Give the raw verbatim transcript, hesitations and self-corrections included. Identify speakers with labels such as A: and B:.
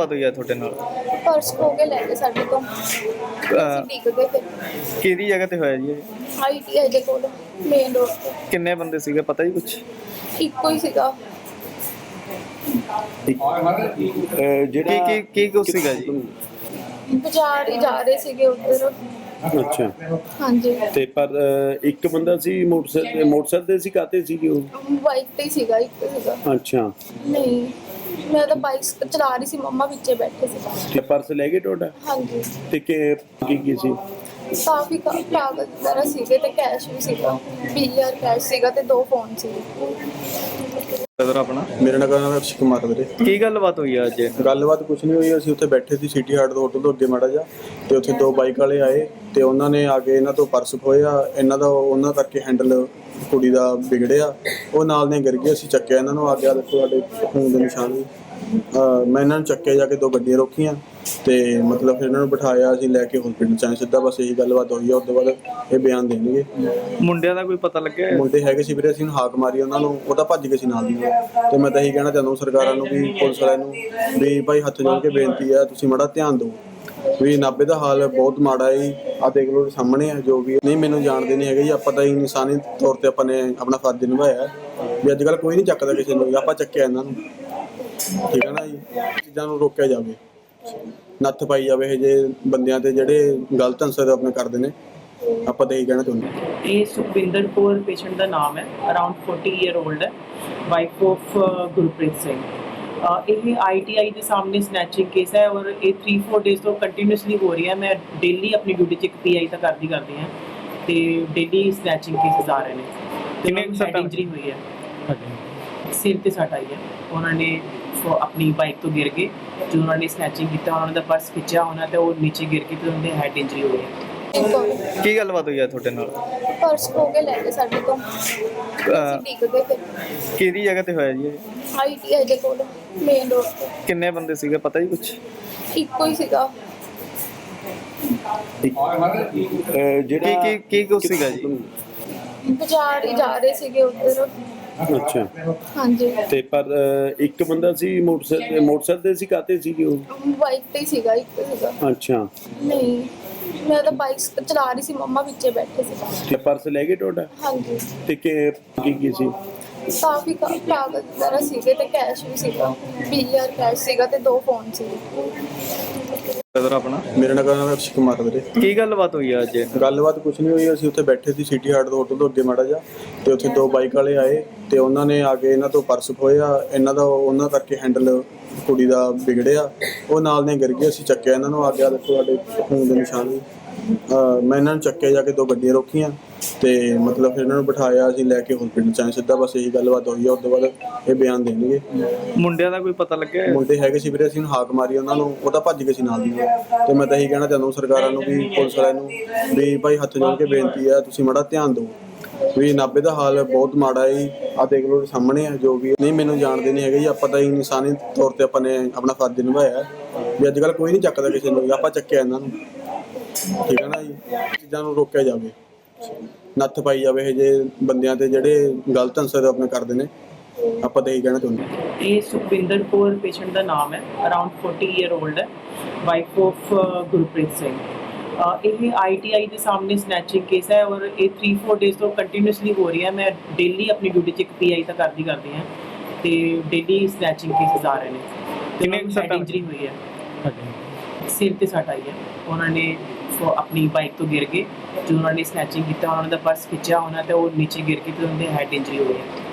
A: ਗੱਲਬਾਤ ਹੋਈ ਆ ਤੁਹਾਡੇ ਨਾਲ?
B: पर्स खो के ले गए साडे तो
A: ਅਹ,
B: डिग गए थे
A: ਕਿਹਦੀ ਜਗ੍ਹਾ ਤੇ ਹੋਇਆ ਜੀ ਇਹ?
B: आईटीआई दे कोल मेन रोड ते
A: ਕਿੰਨੇ ਬੰਦੇ ਸੀਗੇ ਪਤਾ ਜੀ ਕੁਛ?
B: इक्को ही सीगा
C: ਅਹ ਜਿਹੜਾ
A: ਕੀ ਕੀ ਕੀ ਕੁਛ ਸੀਗਾ ਜੀ?
B: बाजार ही जा रहे सीगे उधर
C: ਅੱਛਾ
B: हाँ जी
C: ਤੇ ਪਰ ਅਹ, ਇੱਕ ਬੰਦਾ ਸੀ ਮੋਟਰਸਾਈਕਲ ਮੋਟਰਸਾਈਕਲ ਤੇ ਸੀ ਕਾਤੇ ਸੀਗੇ ਉਹ?
B: बाइक पे ही सीगा इक्को सीगा
C: ਅੱਛਾ
B: नहीं मैं तो बाइक चला रही सी मम्मा पीछे बैठे सीगा
C: ਤੇ ਪਰਸ ਲੈ ਗਏ ਤੁਹਾਡਾ?
B: हाँ जी
C: ਤੇ ਕੀ ਕੀ ਕੀ ਸੀ?
B: काफी का- कागज वगैरह सीगे ते कैश भी सीगा बीस हज़ार कैश सीगा ते दो फोन सीगे
A: ਬ੍ਰਦਰ ਆਪਣਾ
D: ਮੇਰਾ ਨਾਮ ਹੈ ਅਕਸ਼ੇ ਕੁਮਾਰ ਵੀਰੇ।
A: ਕੀ ਗੱਲਬਾਤ ਹੋਈ ਆ ਅੱਜ?
D: ਗੱਲਬਾਤ ਕੁਝ ਨਹੀਂ ਹੋਈ, ਅਸੀਂ ਉੱਥੇ ਬੈਠੇ ਸੀ ਸਿਟੀ ਹਾਰਟ ਤੋਂ ਹੋਟਲ ਤੋਂ ਅੱਗੇ ਮਾੜਾ ਜਿਹਾ, ਤੇ ਉੱਥੇ ਦੋ ਬਾਈਕ ਵਾਲੇ ਆਏ ਤੇ ਉਹਨਾਂ ਨੇ ਆ ਕੇ ਇਹਨਾਂ ਤੋਂ ਪਰਸ ਖੋਇਆ। ਇਹਨਾਂ ਦਾ ਉਹਨਾਂ ਕਰਕੇ ਹੈਂਡਲ ਕੁੜੀ ਦਾ ਵਿਗੜਿਆ, ਉਹ ਨਾਲ ਨੇ ਗਿਰ ਗਏ। ਅਸੀਂ ਚੱਕਿਆ ਇਹਨਾਂ ਨੂੰ, ਆ ਗਿਆ ਦੇਖੋ ਸਾਡੇ ਖੂਨ ਦੇ ਨਿਸ਼ਾਨ ਵੀ। ਅਹ ਮੈਂ ਇਹਨਾਂ ਨੂੰ ਚੱਕਿਆ, ਜਾ ਕੇ ਦੋ ਗੱਡੀਆਂ ਰੋਕੀਆਂ ਤੇ ਮਤਲਬ ਫਿਰ ਇਹਨਾਂ ਨੂੰ ਬਿਠਾਇਆ, ਅਸੀਂ ਲੈ ਕੇ ਹਸਪੀਟਲ ਚ ਆਏ ਸਿੱਧਾ। ਬਸ ਇਹੀ ਗੱਲਬਾਤ ਹੋਈ ਆ। ਉਸ ਤੋਂ ਬਾਅਦ ਇਹ ਬਿਆਨ ਦੇਣਗੇ।
A: ਮੁੰਡਿਆਂ ਦਾ ਕੋਈ ਪਤਾ ਲੱਗਿਆ?
D: ਮੁੰਡੇ ਹੈਗੇ ਸੀ ਵੀਰੇ, ਅਸੀਂ ਨੂੰ ਹਾਕ ਮਾਰੀ ਉਹਨਾਂ ਨੂੰ, ਉਹ ਤਾਂ ਭੱਜ ਗਏ ਸੀ ਨਾਲ ਦੀ ਨਾਲ। ਤੇ ਮੈਂ ਤਾਂ ਇਹੀ ਕਹਿਣਾ ਚਾਹੁੰਦਾ ਸਰਕਾਰਾਂ ਨੂੰ ਵੀ ਪੁਲਿਸ ਵਾਲਿਆਂ ਨੂੰ ਵੀ ਭਾਈ ਹੱਥ ਜੋੜ ਕੇ ਬੇਨਤੀ ਆ, ਤੁਸੀਂ ਮਾੜਾ ਧਿਆਨ ਦਿਓ ਵੀ ਨਾਭੇ ਦਾ ਹਾਲ ਬਹੁਤ ਮਾੜਾ ਹੈ। ਆ ਦੇਖ ਲਓ ਸਾਹਮਣੇ ਆ ਜੋ ਵੀ ਨਹੀਂ, ਮੈਨੂੰ ਜਾਣਦੇ ਨਹੀਂ ਹੈਗੇ ਜੀ, ਆਪਾਂ ਤਾਂ ਇਨਸਾਨੀ ਤੌਰ ਤੇ ਆਪਾਂ ਨੇ ਆਪਣਾ ਫਰਜ਼ ਨਿਭਾਇਆ ਵੀ ਅੱਜ ਕੱਲ੍ਹ ਕੋਈ ਨਹੀਂ ਚੱਕਦਾ ਕਿਸੇ ਨੂੰ, ਆਪਾਂ ਚੱਕਿਆ ਇਹਨਾਂ ਨੂੰ। ਠੀਕ ਹੈ ਨਾ ਜੀ, ਚੀਜ਼ਾਂ ਨੂੰ ਰੋਕਿਆ ਜਾਵੇ, ਨੱਥ ਪਾਈ ਜਾਵੇ ਇਹ ਜੇ ਬੰਦਿਆਂ ਤੇ ਜਿਹੜੇ ਗਲਤ ਅਨਸਰ ਆਪਣੇ ਕਰਦੇ ਨੇ। ਆਪਾਂ ਤਾਂ ਇਹੀ ਕਹਿਣਾ ਚਾਹੁੰਦੇ ਹਾਂ।
E: ਇਹ ਸੁਖਵਿੰਦਰ ਕੌਰ ਪੇਸ਼ੈਂਟ ਦਾ ਨਾਮ ਹੈ, ਅਰਾਊਂਡ ਚਾਲੀ ਈਅਰ 올ਡ ਹੈ, ਵਾਈਫ ਆਫ ਗੁਰਪ੍ਰੀਤ ਸਿੰਘ। ਅਹ ਇਹ ਆਈਟੀਆਈ ਦੇ ਸਾਹਮਣੇ ਸਨੈਚਿੰਗ ਕੇਸ ਹੈ ਔਰ ਇਹ ਤਿੰਨ ਚਾਰ ਡੇਜ਼ ਤੋਂ ਕੰਟੀਨਿਊਸਲੀ ਹੋ ਰਹੀ ਹੈ। ਮੈਂ ਡੇਲੀ ਆਪਣੀ ਡਿਊਟੀ 'ਚ ਇੱਕ ਪੀਆਈ ਤਾਂ ਕਰਦੀ ਕਰਦੀ ਹਾਂ ਤੇ ਡੇਲੀ ਸਨੈਚਿੰਗ ਕੇਸਿਸ ਆ ਰਹੇ ਨੇ।
A: ਕਿੰਨੇ
E: ਕਿੰਨੇ
A: ਸੱਟਾਂ?
E: ਇੰਜਰੀ ਹੋਈ ਹੈ, ਸਿਰ ਤੇ ਸੱਟ ਆਈ ਹੈ। ਉਹਨਾਂ ਨੇ ਫੋ- ਆਪਣੀ ਬਾਈਕ ਤੋਂ ਗਿਰ ਗਏ, ਜਦੋਂ ਉਹਨਾਂ ਨੇ ਸਨੈਚਿੰਗ ਕੀਤਾ ਉਹਨਾਂ ਦਾ ਪਰਸ ਖਿੱਚਿਆ ਉਹਨਾਂ ਤੇ ਉਹ ਨੀਚੇ ਗਿਰ ਕੇ ਤੇ ਉਹਨਾਂ ਦੇ ਹੈਡ ਇੰਜਰੀ ਹੋਈ ਹੈ।
B: इनको
A: ਕੀ ਗੱਲਬਾਤ ਹੋਈ ਆ ਤੁਹਾਡੇ ਨਾਲ?
B: पर्स खो के ले गए साडे तो
A: ਅਹ,
B: डिग गए थे
A: ਕਿਹਦੀ ਜਗ੍ਹਾ ਤੇ ਹੋਇਆ ਜੀ ਇਹ?
B: आईटीआई दे कोल मेन रोड ते
A: ਕਿੰਨੇ ਬੰਦੇ ਸੀਗੇ ਪਤਾ ਜੀ ਕੁਛ?
B: इक्को ही सीगा
C: ਅਹ,
A: ਕੀ
C: ਜਿਹੜਾ
A: ਕੀ ਕੀ ਕੁਛ ਸੀਗਾ ਜੀ?
B: ਬਾਜ਼ਾਰ ਹੀ ਜਾ ਰਹੇ ਸੀਗੇ ਉਧਰ
C: ਅੱਛਾ
B: हाँ जी
C: ਤੇ ਪਰ ਅਹ, ਇੱਕ ਬੰਦਾ ਸੀ ਮੋਟਰਸਾਈਕਲ ਮੋਟਰਸਾਈਕਲ ਤੇ ਸੀ ਕਾਤੇ ਸੀਗੇ ਉਹ?
B: बाइक पे ही सीगा इक्को सीगा
C: ਅੱਛਾ
B: नहीं मैं तो बाइक चला रही सी मम्मा पीछे बैठे सीगा
C: ਤੇ ਪਰਸ ਲੈ ਗਏ ਤੁਹਾਡਾ?
B: हाँ जी
C: ਤੇ ਕੀ ਕੀ ਕੀ ਸੀ?
B: काफी का- कागज वगैरह सीगे ते कैश भी सीगा बीस हज़ार कैश सीगा ते दो फोन सीगे
A: ਬ੍ਰਦਰ ਆਪਣਾ
D: ਮੇਰਾ ਨਾਮ ਹੈ ਅਕਸ਼ੇ ਕੁਮਾਰ ਵੀਰੇ।
A: ਕੀ ਗੱਲਬਾਤ ਹੋਈ ਆ ਅੱਜ?
D: ਗੱਲਬਾਤ ਕੁਝ ਨਹੀਂ ਹੋਈ, ਅਸੀਂ ਉੱਥੇ ਬੈਠੇ ਸੀ ਸਿਟੀ ਹਾਰਟ ਤੋਂ ਹੋਟਲ ਤੋਂ ਅੱਗੇ ਮਾੜਾ ਜਿਹਾ, ਤੇ ਉੱਥੇ ਦੋ ਬਾਈਕ ਵਾਲੇ ਆਏ ਤੇ ਉਹਨਾਂ ਨੇ ਆ ਕੇ ਇਹਨਾਂ ਤੋਂ ਪਰਸ ਖੋਇਆ। ਇਹਨਾਂ ਦਾ ਉਹਨਾਂ ਕਰਕੇ ਹੈਂਡਲ ਕੁੜੀ ਦਾ ਵਿਗੜਿਆ, ਉਹ ਨਾਲ ਨੇ ਗਿਰ ਗਏ। ਅਸੀਂ ਚੱਕਿਆ ਇਹਨਾਂ ਨੂੰ, ਆ ਗਿਆ ਦੇਖੋ ਸਾਡੇ ਖੂਨ ਦੇ ਨਿਸ਼ਾਨ ਵੀ। ਅਹ ਮੈਂ ਇਹਨਾਂ ਨੂੰ ਚੱਕਿਆ, ਜਾ ਕੇ ਦੋ ਗੱਡੀਆਂ ਰੋਕੀਆਂ ਤੇ ਮਤਲਬ ਫਿਰ ਇਹਨਾਂ ਨੂੰ ਬਿਠਾਇਆ, ਅਸੀਂ ਲੈ ਕੇ ਹਸਪੀਟਲ ਚ ਆਏ ਸਿੱਧਾ। ਬਸ ਇਹੀ ਗੱਲਬਾਤ ਹੋਈ ਆ। ਉਸ ਤੋਂ ਬਾਅਦ ਇਹ ਬਿਆਨ ਦੇਣਗੇ।
A: ਮੁੰਡਿਆਂ ਦਾ ਕੋਈ ਪਤਾ ਲੱਗਿਆ?
D: ਮੁੰਡੇ ਹੈਗੇ ਸੀ ਵੀਰੇ, ਅਸੀਂ ਨੂੰ ਹਾਕ ਮਾਰੀ ਉਹਨਾਂ ਨੂੰ, ਉਹ ਤਾਂ ਭੱਜ ਗਏ ਸੀ ਨਾਲ ਦੀ ਨਾਲ। ਤੇ ਮੈਂ ਤਾਂ ਇਹੀ ਕਹਿਣਾ ਚਾਹੁੰਦਾ ਸਰਕਾਰਾਂ ਨੂੰ ਵੀ ਪੁਲਿਸ ਵਾਲਿਆਂ ਨੂੰ ਵੀ ਭਾਈ ਹੱਥ ਜੋੜ ਕੇ ਬੇਨਤੀ ਆ, ਤੁਸੀਂ ਮਾੜਾ ਧਿਆਨ ਦਿਓ ਵੀ ਨਾਭੇ ਦਾ ਹਾਲ ਬਹੁਤ ਮਾੜਾ ਹੈ। ਆ ਦੇਖ ਲਓ ਸਾਹਮਣੇ ਆ ਜੋ ਵੀ ਨਹੀਂ, ਮੈਨੂੰ ਜਾਣਦੇ ਨਹੀਂ ਹੈਗੇ ਜੀ, ਆਪਾਂ ਤਾਂ ਇਨਸਾਨੀ ਤੌਰ ਤੇ ਆਪਾਂ ਨੇ ਆਪਣਾ ਫਰਜ਼ ਨਿਭਾਇਆ ਵੀ ਅੱਜ ਕੱਲ੍ਹ ਕੋਈ ਨਹੀਂ ਚੱਕਦਾ ਕਿਸੇ ਨੂੰ, ਆਪਾਂ ਚੱਕਿਆ ਇਹਨਾਂ ਨੂੰ। ਠੀਕ ਹੈ ਨਾ ਜੀ, ਚੀਜ਼ਾਂ ਨੂੰ ਰੋਕਿਆ ਜਾਵੇ, ਨੱਥ ਪਾਈ ਜਾਵੇ ਇਹ ਜੇ ਬੰਦਿਆਂ ਤੇ ਜਿਹੜੇ ਗਲਤ ਅਨਸਰ ਆਪਣੇ ਕਰਦੇ ਨੇ। ਆਪਾਂ ਤਾਂ ਇਹੀ ਕਹਿਣਾ ਚਾਹੁੰਦੇ ਹਾਂ।
E: ਇਹ ਸੁਖਵਿੰਦਰ ਕੌਰ ਪੇਸ਼ੈਂਟ ਦਾ ਨਾਮ ਹੈ, ਅਰਾਊਂਡ ਚਾਲੀ ਈਅਰ 올ਡ ਹੈ, ਵਾਈਫ ਆਫ ਗੁਰਪ੍ਰੀਤ ਸਿੰਘ। ਅਹ ਇਹ ਆਈਟੀਆਈ ਦੇ ਸਾਹਮਣੇ ਸਨੈਚਿੰਗ ਕੇਸ ਹੈ ਔਰ ਇਹ ਤਿੰਨ ਚਾਰ ਡੇਜ਼ ਤੋਂ ਕੰਟੀਨਿਊਸਲੀ ਹੋ ਰਹੀ ਹੈ। ਮੈਂ ਡੇਲੀ ਆਪਣੀ ਡਿਊਟੀ 'ਚ ਇੱਕ ਪੀਆਈ ਤਾਂ ਕਰਦੀ ਕਰਦੀ ਹਾਂ ਤੇ ਡੇਲੀ ਸਨੈਚਿੰਗ ਕੇਸਿਸ ਆ ਰਹੇ ਨੇ।
A: ਕਿੰਨੇ
E: ਕਿੰਨੇ
A: ਸੱਟਾਂ?
E: ਇੰਜਰੀ ਹੋਈ ਹੈ, ਸਿਰ ਤੇ ਸੱਟ ਆਈ ਹੈ। ਉਹਨਾਂ ਨੇ ਫੋ- ਆਪਣੀ ਬਾਈਕ ਤੋਂ ਗਿਰ ਗਏ, ਜਦੋਂ ਉਹਨਾਂ ਨੇ ਸਨੈਚਿੰਗ ਕੀਤਾ ਉਹਨਾਂ ਦਾ ਪਰਸ ਖਿੱਚਿਆ ਉਹਨਾਂ ਤੇ ਉਹ ਨੀਚੇ ਗਿਰ ਕੇ ਤੇ ਉਹਨਾਂ ਦੇ ਹੈਡ ਇੰਜਰੀ ਹੋਈ ਹੈ।